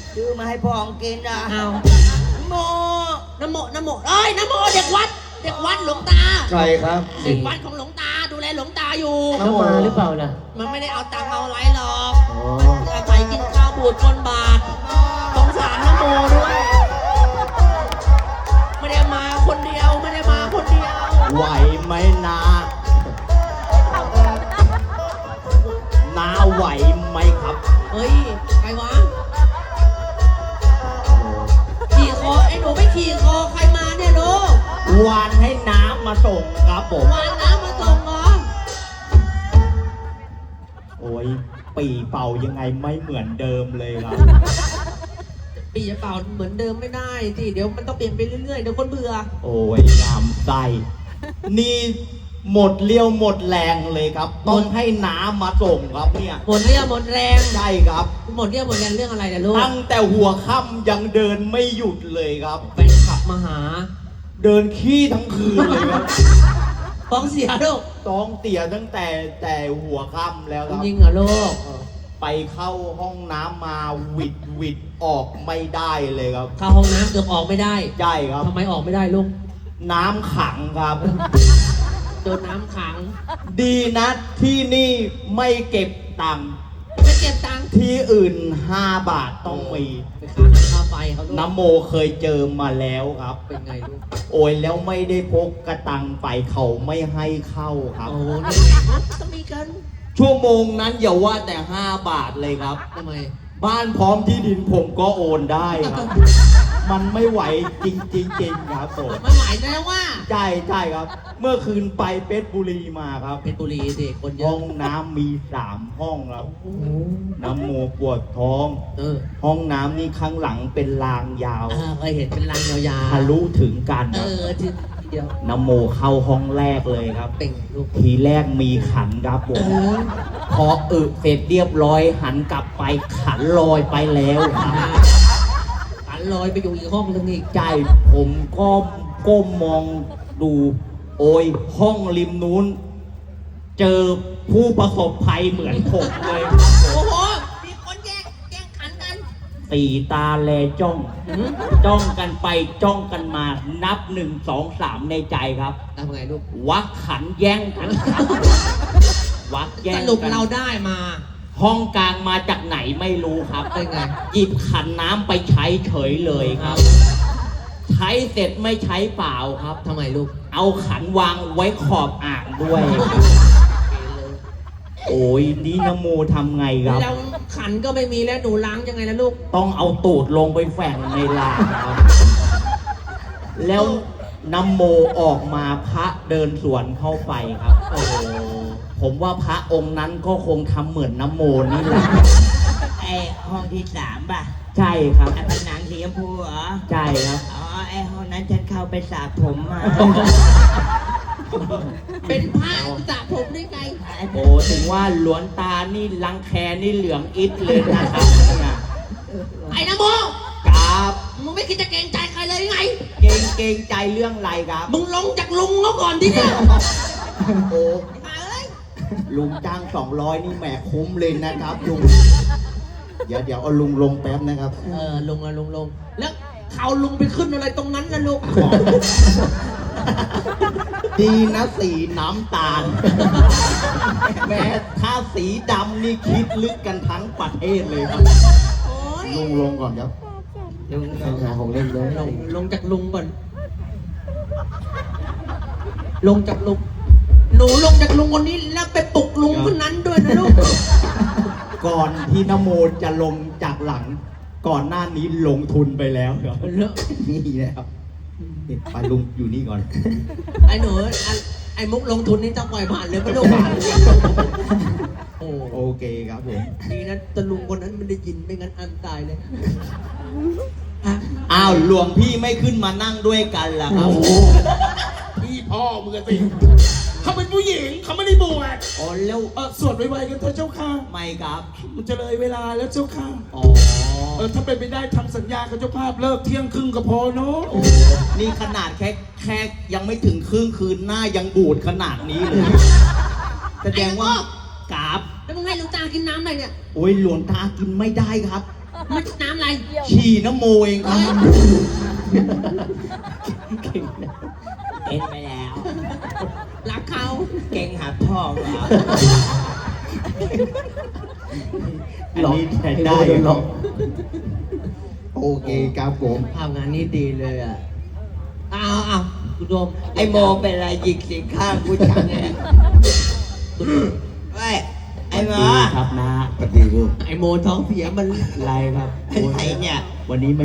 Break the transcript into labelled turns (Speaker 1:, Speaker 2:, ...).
Speaker 1: ซื้อมาให้พ่อของกินอ่ะ
Speaker 2: เอา
Speaker 1: โม
Speaker 2: น้ำโมเอ้ยน้ำโมเด็กวัดหลวงตา
Speaker 3: ใครครับ
Speaker 2: เด็กวัดของหลวงตาดูแลหลวงตาอยู่
Speaker 3: น้ำโม
Speaker 4: มาหรือเปล่าล่ะ
Speaker 2: มันไม่ได้เอาตังค์เอาอะไรหรอก
Speaker 4: อ๋อ
Speaker 2: อาศัยกินข้าวบูดคนบาทสงสารน้ำโมด้วยไม่ได้มาคนเดียว
Speaker 3: ไหวไหมนานาไหวไหมครับ
Speaker 2: เฮ้ยใครวะขี่คอไอ้หนูไม่ขี่คอใครมาเนี่ยลูก
Speaker 3: วานให้น้ำมาส่งครับผม
Speaker 2: วางน้ำมาส่งเหรอ
Speaker 3: โอ้ยปีเป่ายังไงไม่เหมือนเดิมเลยครับ
Speaker 2: ปีจะเป่าเหมือนเดิมไม่ได้สิเดี๋ยวมันต้องเปลี่ยนไปเรื่อยๆเดี๋ยวคนเบื่อ
Speaker 3: โอ้ยงามไส้นี่หมดเลี้ยวหมดแรงเลยครับ ต้องให้น้ำมาส่งครับเนี่ย
Speaker 2: หมดเรี่ยวหมดแรง
Speaker 3: ใช่ครับ
Speaker 2: หมดเรี่ยวหมดแรงเรื่องอะไรนะลูก
Speaker 3: ตั้งแต่หัวค่ำยังเดินไม่หยุดเลยครับ
Speaker 2: แฟนขับมาหา
Speaker 3: เดินขี้ทั้งคืนเลยครับ
Speaker 2: ฟ้องเสียลูก
Speaker 3: ต้องเตี่ยตั้งแต่หัวค่ำแล้วครับ
Speaker 2: จริงเหรอลูก
Speaker 3: ไปเข้าห้องน้ำมาหวิดออกไม่ได้เลยครับ
Speaker 2: เข้าห้องน้ำเกือบออกไม่ได้
Speaker 3: ใช่ครับ
Speaker 2: ทำไมออกไม่ได้ลูก
Speaker 3: น้ำขังครับ
Speaker 2: โดนน้ำขัง
Speaker 3: ดีนะที่นี่ไม่เก็บตังค์
Speaker 2: ไม่เก็บตังค์
Speaker 3: ที่อื่น5 บาทต้องมี
Speaker 2: ไปค่าน้ำค่าไฟเขาลูก
Speaker 3: น้ำโมเคยเจอมาแล้วครับ
Speaker 2: เป็นไงลูก
Speaker 3: โอ้ยแล้วไม่ได้พกกระตังไปเขาไม่ให้เข้าครับ
Speaker 2: โอ้โหนี่ไงต้องมีกัน
Speaker 3: ชั่วโมงนั้นอย่าว่าแต่5 บาทเลยครับ
Speaker 2: ทำไม
Speaker 3: บ้านพร้อมที่ดินผมก็โอนได้ครับ มันไม่ไหวจริงๆครับผม
Speaker 2: ไม่ไหวแล้วว่า
Speaker 3: ใช่ครับ เมื่อคืนไปเพชรบุรีมาครับ
Speaker 2: เพชรบุรีสิคนเย
Speaker 3: ห้
Speaker 2: อะ
Speaker 3: องน้ำมี3 ห้องครับ
Speaker 2: โอ้
Speaker 3: น้ำโมปวดท้อง
Speaker 2: เออ
Speaker 3: ห้องน้ำนี่ข้างหลังเป็นรางยาว
Speaker 2: เคยเห็นเป็นรางยาว
Speaker 3: ทะลุถึงกัน
Speaker 2: ๆ
Speaker 3: ครับ
Speaker 2: ทีเดียว
Speaker 3: น้ำโมเข้าห้องแรกเลยครับ
Speaker 2: เป็นลูก
Speaker 3: ทีแรกมีขันครับผม พอเสร็จเรียบร้อยหันกลับไปขันลอยไปแล้วครับ
Speaker 2: ขันลอยไปอยู่อีกห้องนึงอีก
Speaker 3: ใจผมก็ก้มมองดู โอ้ยห้องริมนู้น เจอผู้ประสบภัยเหมือนผมเลย
Speaker 2: โอ้โห มีคนแย่งขันกัน
Speaker 3: 4 ตาแลจ้อง จ้องกันไปจ้องกันมานับ 1 2 3 ในใจครับ
Speaker 2: ทำไงลูก
Speaker 3: วักขันแย่งกันครับวักแย่
Speaker 2: ส
Speaker 3: ง
Speaker 2: รุป
Speaker 3: กัน
Speaker 2: เราได้มา
Speaker 3: ห้องกลางมาจากไหนไม่รู้ครับ
Speaker 2: เป็นไง
Speaker 3: หยิบขันน้ำไปใช้เฉยเลยครับ ใช้เสร็จไม่ใช้เปล่าครับ
Speaker 2: ทำไมลูก
Speaker 3: เอาขันวางไว้ขอบอ่างด้วย โอ้ยนี่นโมทำไงครับ
Speaker 2: แล้วขันก็ไม่มีแล้วหนูล้างยังไงนะลูก
Speaker 3: ต้องเอาตูดลงไปแฝงในรางครับ แล้วนโมออกมาพระเดินสวนเข้าไปครับ โอ้โหผมว่าพระองค์นั้นก็คงทำเหมือนนโมนี่แหละ
Speaker 1: ไอห้องที่3ป่ะ
Speaker 3: ใช่ครับ
Speaker 1: ไอผนังสีชมพูเหรอ
Speaker 3: ใช่ครับ
Speaker 1: อ๋อไอห้องนั้นฉันเข้าไปสระผมมา
Speaker 2: เป็นผ้าสระผมได้ไง
Speaker 3: โอ้ถึงว่าหลวนตานี่รังแคนี่เหลืองอิดเลยนะครับเนี่ย
Speaker 2: ไอ้นะโม
Speaker 3: ครับ
Speaker 2: มึงไม่คิดจะเกรงใจใครเลยไง
Speaker 3: เกรงใจเรื่องอะไรครับ
Speaker 2: มึงลงจากลุงเขาก่อนดิเนี่ย
Speaker 3: โอ้
Speaker 2: มาเอ้ย
Speaker 3: ลุงจ้าง200นี่แหมคุ้มเลยนะครับลุงเดี๋ยวเอาลุงลงแป๊บนะครับ
Speaker 2: ลุงลง แล้วเขาลุงไปขึ้นอะไรตรงนั้นนะลูก
Speaker 3: ดีนะสีน้ำตาล แม้ถ้าสีดำนี่คิดลึกกันทั้งประเทศเลยครับ
Speaker 2: โอ้ย
Speaker 3: ลุงลงก่อนครับ
Speaker 1: ลุง
Speaker 3: ใช้ของเล่นเลย
Speaker 2: ลงจากลุงก่อน ลงจากลุง หนูลงจากลุงคนนี้แล้วไปปลุกลุงคนนั้นด้วยนะลูก
Speaker 3: ก่อนที่นโมจะลงจากหลัง ก่อนหน้านี้ลงทุนไปแล้วครับ
Speaker 2: เลอะ
Speaker 3: นี่นะครับนี่ไปลุงอยู่นี่ก่อน
Speaker 2: ไอ้หนูไอ้มุกลงทุนนี่จะปล่อยผ่านเลยไม่ต้องผ่านเลยโอ้
Speaker 3: โอเคครับผม
Speaker 2: ดีนะตะลุงคนนั้นไม่ได้ยินไม่งั้นอันตายเลยอ่ะ
Speaker 3: อ้าวหลวงพี่ไม่ขึ้นมานั่งด้วยกันล่ะครับ
Speaker 5: พี่พ่อมึงอะสิเขาเป็นผู้หญิงเขาไม่ได้บวช
Speaker 3: อ๋อแล้ว
Speaker 5: สวดไวๆกันเถอะเจ้าค่ะ
Speaker 3: ไม่ครับ
Speaker 5: มันจะเลยเวลาแล้วเจ้าค่ะ
Speaker 3: อ๋อ
Speaker 5: ถ้าเป็นไปได้ทำสัญญากับเจ้าภาพเลิกเที่ยงครึ่งก็พอเนาะ
Speaker 3: นี่ขนาดแค่ยังไม่ถึงครึ่งคืนหน้ายังบูดขนาดนี้เลย แสดงว่ากราบ
Speaker 2: แล้วมึงให้หลวงตากินน้ำอะไรเนี่ย
Speaker 3: โอ้ยหลวงตากินไม่ได้ครับ
Speaker 2: มันน้ำอะไร
Speaker 3: ฉี่น้ำโมเองครับ
Speaker 1: เอ็นไปแล้ว
Speaker 2: รักเขา
Speaker 1: เก่งหับทองเหรอ
Speaker 3: อันนี้ใช้ได้หรอก
Speaker 5: โอเคครับผม
Speaker 2: ทำงานนี้ดีเลยอ่ะเอาคุณโดม
Speaker 1: ไอโมเป็นอะไรหยิกสิงข้างกูจังเนี่ยเฮ้ยไอโม
Speaker 3: ดีครับนะ
Speaker 5: ปฏิรูป
Speaker 2: ไอโมท้องเสียมัน
Speaker 3: ไรครับ
Speaker 1: อะไรเนี่ย
Speaker 3: วันนี้ไม่